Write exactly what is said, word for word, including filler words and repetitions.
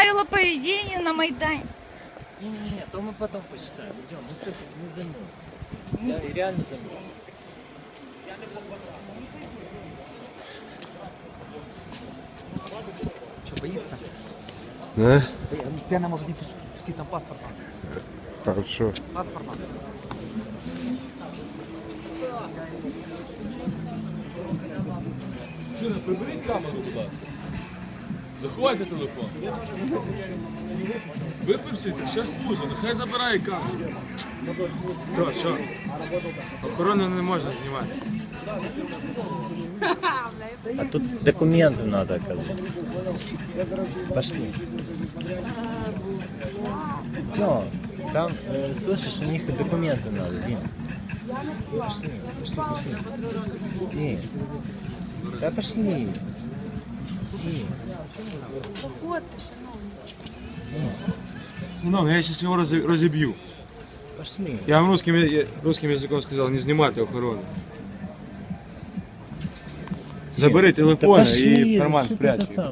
правила поведения на Майдане. Не-не-не, то мы потом посчитаем. Идем, мы с этим не замерз. Я реально замерз. Что, боится? Да? Пена может быть, все там паспорт. Хорошо. Паспорт надо. Чуна, приберіть камеру, будь ласка. Заховайте телефон. Випишіть, ще хуже, нехай забирає камеру. Що, що? Охорону не можна знімати. А тут документы надо, оказывается. Пошли. Чё? Там, э, слышишь, у них и документы надо, Дим. Пошли, пошли, пошли. Дим. Да пошли. Дим. Ну, я сейчас его разо- разобью. Пошли. Я вам русским, я- русским языком сказал, не снимайте охорону. Забери телефон Да пошли, и в карман что ты спрячь. это сам?